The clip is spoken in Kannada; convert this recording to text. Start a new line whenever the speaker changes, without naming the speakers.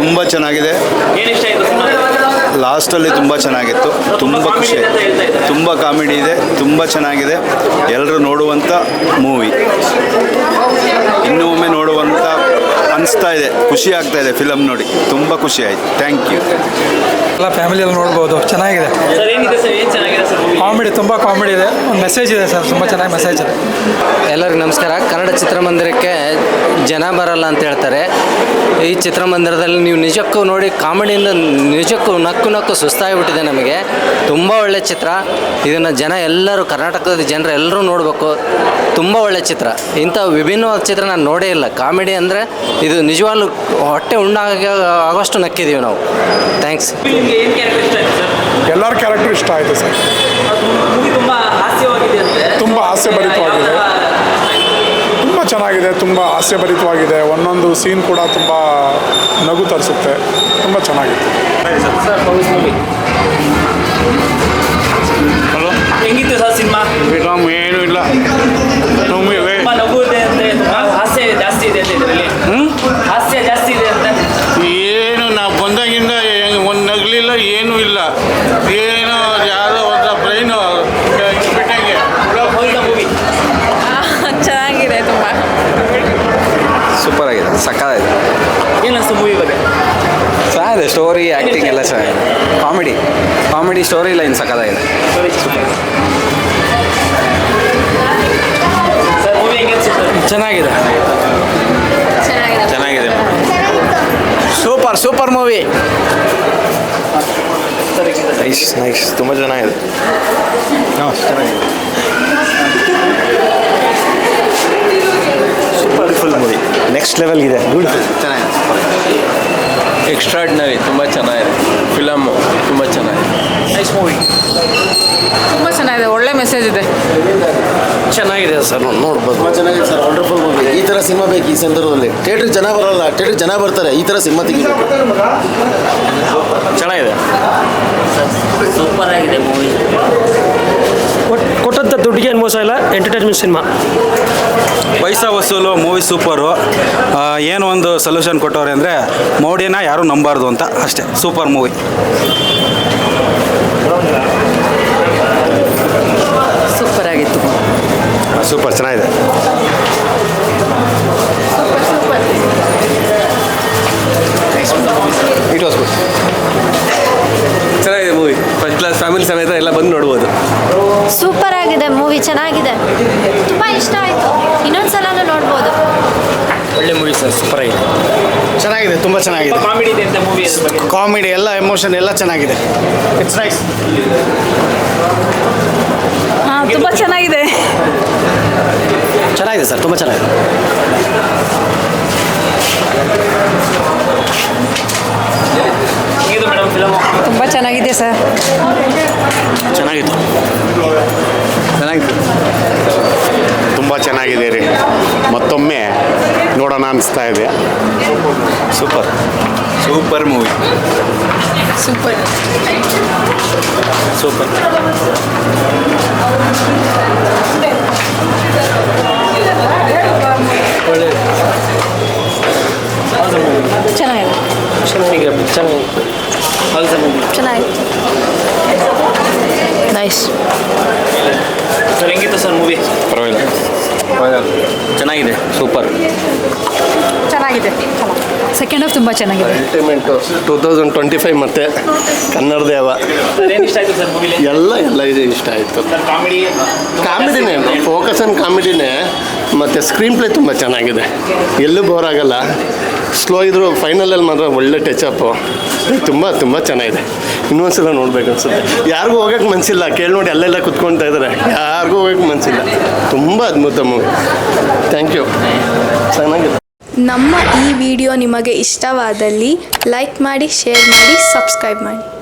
ತುಂಬ ಚೆನ್ನಾಗಿದೆ. ಲಾಸ್ಟಲ್ಲಿ ತುಂಬ ಚೆನ್ನಾಗಿತ್ತು, ತುಂಬ ಖುಷಿ ಆಯಿತು. ತುಂಬ ಕಾಮಿಡಿ ಇದೆ, ತುಂಬ ಚೆನ್ನಾಗಿದೆ. ಎಲ್ಲರೂ ನೋಡುವಂಥ ಮೂವಿ, ಇನ್ನೂ ಒಮ್ಮೆ ನೋಡುವಂಥ ಅನಿಸ್ತಾ ಇದೆ, ಖುಷಿ ಆಗ್ತಾ ಇದೆ ಫಿಲಮ್ ನೋಡಿ, ತುಂಬ ಖುಷಿ ಆಯಿತು. Thank you.
ಎಲ್ಲ ಫ್ಯಾಮಿಲಿಯಲ್ಲಿ ನೋಡ್ಬೋದು, ಚೆನ್ನಾಗಿದೆ. ಕಾಮಿಡಿ, ತುಂಬ ಕಾಮಿಡಿ ಇದೆ, ಒಂದು ಮೆಸೇಜ್ ಇದೆ ಸರ್, ತುಂಬ ಚೆನ್ನಾಗಿ ಮೆಸೇಜ್ ಇದೆ.
ಎಲ್ಲರಿಗೂ ನಮಸ್ಕಾರ. ಕನ್ನಡ ಚಿತ್ರಮಂದಿರಕ್ಕೆ ಜನ ಬರಲ್ಲ ಅಂತ ಹೇಳ್ತಾರೆ. ಈ ಚಿತ್ರಮಂದಿರದಲ್ಲಿ ನೀವು ನಿಜಕ್ಕೂ ನೋಡಿ, ಕಾಮಿಡಿಯಿಂದ ನಿಜಕ್ಕೂ ನಕ್ಕು ಸುಸ್ತಾಗಿಬಿಟ್ಟಿದೆ ನಮಗೆ. ತುಂಬ ಒಳ್ಳೆ ಚಿತ್ರ. ಇದನ್ನು ಜನ ಎಲ್ಲರೂ, ಕರ್ನಾಟಕದ ಜನರು ಎಲ್ಲರೂ ನೋಡಬೇಕು. ತುಂಬ ಒಳ್ಳೆ ಚಿತ್ರ. ಇಂಥ ವಿಭಿನ್ನವಾದ ಚಿತ್ರ ನಾನು ನೋಡೇ ಇಲ್ಲ. ಕಾಮಿಡಿ ಅಂದರೆ ಇದು ನಿಜವಾಗ್ಲೂ ಹೊಟ್ಟೆ ಆಗೋಷ್ಟು ನಕ್ಕಿದ್ದೀವಿ ನಾವು. ಥ್ಯಾಂಕ್ಸ್.
ಎಲ್ಲರ ಕ್ಯಾರೆಕ್ಟರ್ ಇಷ್ಟ ಆಯಿತು ಸರ್. ತುಂಬ ಹಾಸ್ಯಭರಿತವಾಗಿದೆ, ತುಂಬ ಚೆನ್ನಾಗಿದೆ, ತುಂಬ ಹಾಸ್ಯಭರಿತವಾಗಿದೆ. ಒಂದೊಂದು ಸೀನ್ ಕೂಡ ತುಂಬ ನಗು ತರಿಸುತ್ತೆ, ತುಂಬ ಚೆನ್ನಾಗಿತ್ತು.
ಹಲೋ, ಹೆಂಗಿತ್ತು ಸರ್ ಸಿನಿಮಾ? ಏನೂ ಇಲ್ಲ,
ಹಾಸ್ಯ ಜಾಸ್ತಿ ಇದೆ ಅಂತ ಇದರಲ್ಲಿ. ಹಾಸ್ಯ ಜಾಸ್ತಿ ಇದೆ ಅಂತ
ಏನು ನಾವು ಬಂದಾಗಿಂದ ಒಂದು ನಗಲಿಲ್ಲ, ಏನೂ ಇಲ್ಲ. ಏನು ಯಾವುದೋ ಒಂದು ಬ್ರೈನು ಬಿಟ್ಟಂಗೆ.
ಮೂವಿ
ಚೆನ್ನಾಗಿದೆ, ತುಂಬ
ಸೂಪರ್ ಆಗಿದೆ, ಸಕ್ಕತ್ತಾಗಿದೆ.
ಏನು ಅನಿಸ್ತು ಮೂವಿ ಬಗ್ಗೆ?
ಚೆನ್ನಾಗಿದೆ, ಸ್ಟೋರಿ ಆ್ಯಕ್ಟಿಂಗ್ ಎಲ್ಲ ಚೆನ್ನಾಗಿದೆ. ಕಾಮಿಡಿ ಸ್ಟೋರಿ ಲೈನ್ ಸಕ್ಕತ್ತಾಗಿದೆ.
ಸರ್ ಮೂವಿ ಹೆಂಗೆ ಅನಿಸುತ್ತೆ?
ಚೆನ್ನಾಗಿದೆ,
ಚೆನ್ನಾಗಿದೆ.
Super movie.
ನೈಸ್, ತುಂಬ ಚೆನ್ನಾಗಿದೆ. ಚೆನ್ನಾಗಿದೆ.
ಬ್ಯೂಟಿಫುಲ್ ಮೂವಿ, ನೆಕ್ಸ್ಟ್ ಲೆವೆಲ್ ಇದೆ. ಬ್ಯೂಟಿಫುಲ್, ಚೆನ್ನಾಗಿದೆ.
ಎಕ್ಸ್ಟ್ರಾರ್ಡಿನರಿ, ತುಂಬ ಚೆನ್ನಾಗಿದೆ. ಫಿಲಮ್ಮು ತುಂಬ ಚೆನ್ನಾಗಿದೆ.
ನೈಸ್ ಮೂವಿ,
ತುಂಬ ಚೆನ್ನಾಗಿದೆ, ಒಳ್ಳೆ ಮೆಸೇಜ್ ಇದೆ.
ಚೆನ್ನಾಗಿದೆ ಸರ್, ನೋಡ್ಬೋದು.
ತುಂಬ ಚೆನ್ನಾಗಿದೆ ಸರ್, ವಂಡರ್ಫುಲ್ ಮೂವಿ. ಈ ಥರ ಸಿನಿಮಾ ಬೇಕು ಈ ಸಂದರ್ಭದಲ್ಲಿ. ಥಿಯೇಟ್ರಿಗೆ ಜನ ಬರೋಲ್ಲ, ಥಿಯೇಟ್ರಿಗೆ ಜನ ಬರ್ತಾರೆ. ಈ ಥರ ಸಿನಿಮಾ ತೆಗಿಬೇಕು.
ಚೆನ್ನಾಗಿದೆ,
ಸೂಪರ್ ಆಗಿದೆ ಮೂವಿ.
ಕೊಟ್ಟಂಥ ದುಡ್ಡಿಗೆ ಏನು ಮೋಸ ಇಲ್ಲ, ಎಂಟರ್ಟೈನ್ಮೆಂಟ್ ಸಿನಿಮಾ.
ಪೈಸಾ ವಸೂಲು ಮೂವಿ ಸೂಪರು. ಏನು ಒಂದು ಸೊಲ್ಯೂಷನ್ ಕೊಟ್ಟವ್ರೆ ಅಂದರೆ ಮೋಡಿನ ಯಾರೂ ನಂಬಾರ್ದು ಅಂತ ಅಷ್ಟೇ. Super movie.
ಸೂಪರ್ ಆಗಿತ್ತು.
ಸೂಪರ್ ಚೆನ್ನಾಗಿದೆ.
It was good. ಚೆನ್ನಾಗಿದೆ ಮೂವಿ, ಫಸ್ಟ್ ಕ್ಲಾಸ್, ಫ್ಯಾಮಿಲಿ ಸಮೇತ ಎಲ್ಲ ಬಂದು ನೋಡ್ಬೋದು.
ಸೂಪರ್ ಆಗಿದೆ ಮೂವಿ, ಚೆನ್ನಾಗಿದೆ, ತುಂಬ ಇಷ್ಟ ಆಯಿತು. ಇನ್ನೊಂದ್ಸಲನೂ ನೋಡ್ಬೋದು.
ಒಳ್ಳೆ ಮೂವಿ ಸರ್, ಸೂಪರ್ ಆಗಿದೆ.
ಚೆನ್ನಾಗಿದೆ, ತುಂಬ ಚೆನ್ನಾಗಿದೆ.
ಕಾಮಿಡಿ ಇದೆ ಅಂತ ಮೂವಿ ಬಗ್ಗೆ?
ಕಾಮಿಡಿ ಎಲ್ಲ, ಎಮೋಷನ್ ಎಲ್ಲ ಚೆನ್ನಾಗಿದೆ. It's nice.
ಹಾಂ, ತುಂಬ ಚೆನ್ನಾಗಿದೆ.
ಚೆನ್ನಾಗಿದೆ ಸರ್, ತುಂಬ ಚೆನ್ನಾಗಿದೆ.
ಇದು ಮೇಡಮ್ ಫಿಲಮು
ತುಂಬ ಚೆನ್ನಾಗಿದೆ ಸರ್.
ಚೆನ್ನಾಗಿತ್ತು.
ತುಂಬ ಚೆನ್ನಾಗಿದೆ ರೀ, ಮತ್ತೊಮ್ಮೆ ನೋಡೋಣ ಅನಿಸ್ತಾ ಇದೆ.
Super movie.
ಸೂಪರ್. ಚೆನ್ನಾಗಿದೆ. ಚೆನ್ನಾಗಿತ್ತು. ನೈಸ್.
ಸರ್ ಹೆಂಗಿತ್ತು ಸರ್ ಮೂವಿ?
ಪರವಾಗಿಲ್ಲ, ಚೆನ್ನಾಗಿದೆ, ಸೂಪರ್.
ಚೆನ್ನಾಗಿದೆ. ಸೆಕೆಂಡ್ ಹಾಫ್ ತುಂಬ ಚೆನ್ನಾಗಿದೆ.
ಅಲ್ಟಿಮೇಟು 2025 ಮತ್ತೆ ಕನ್ನಡ ದೇವ.
ಏನು ಇಷ್ಟ ಆಯಿತು ಸರ್ ಮೂವಿಲಿ?
ಎಲ್ಲ ಇದು ಇಷ್ಟ ಆಯಿತು.
ಸರ್
ಕಾಮಿಡಿನೇ, ಫೋಕಸ್ ಆನ್ ಕಾಮಿಡಿನೇ. ಮತ್ತು ಸ್ಕ್ರೀನ್ ಪ್ಲೇ ತುಂಬ ಚೆನ್ನಾಗಿದೆ, ಎಲ್ಲೂ ಬೋರ್ ಆಗಲ್ಲ. ಸ್ಲೋ ಇದ್ದರೂ ಫೈನಲಲ್ಲಿ ಮಾತ್ರ ಒಳ್ಳೆ ಟಚಪ್ಪು. ತುಂಬ ಚೆನ್ನಾಗಿದೆ. ಇನ್ನೊಂದ್ಸಲ ನೋಡ್ಬೇಕು ಅನ್ಸುತ್ತೆ. ಯಾರಿಗೂ ಹೋಗೋಕ್ಕೆ ಮನಸ್ಸಿಲ್ಲ, ಕೇಳಿ ನೋಡಿ ಅಲ್ಲೆಲ್ಲ ಕುತ್ಕೊಳ್ತಾ ಇದ್ದಾರೆ. ಯಾರಿಗೂ ಹೋಗೋಕ್ಕೆ ಮನಸ್ಸಿಲ್ಲ. ತುಂಬ ಅದ್ಭುತ ಮೂವಿ. Thank you. ಚೆನ್ನಾಗಿದೆ.
ನಮ್ಮ ಈ ವಿಡಿಯೋ ನಿಮಗೆ ಇಷ್ಟವಾದಲ್ಲಿ ಲೈಕ್ ಮಾಡಿ, ಶೇರ್ ಮಾಡಿ, ಸಬ್ಸ್ಕ್ರೈಬ್ ಮಾಡಿ.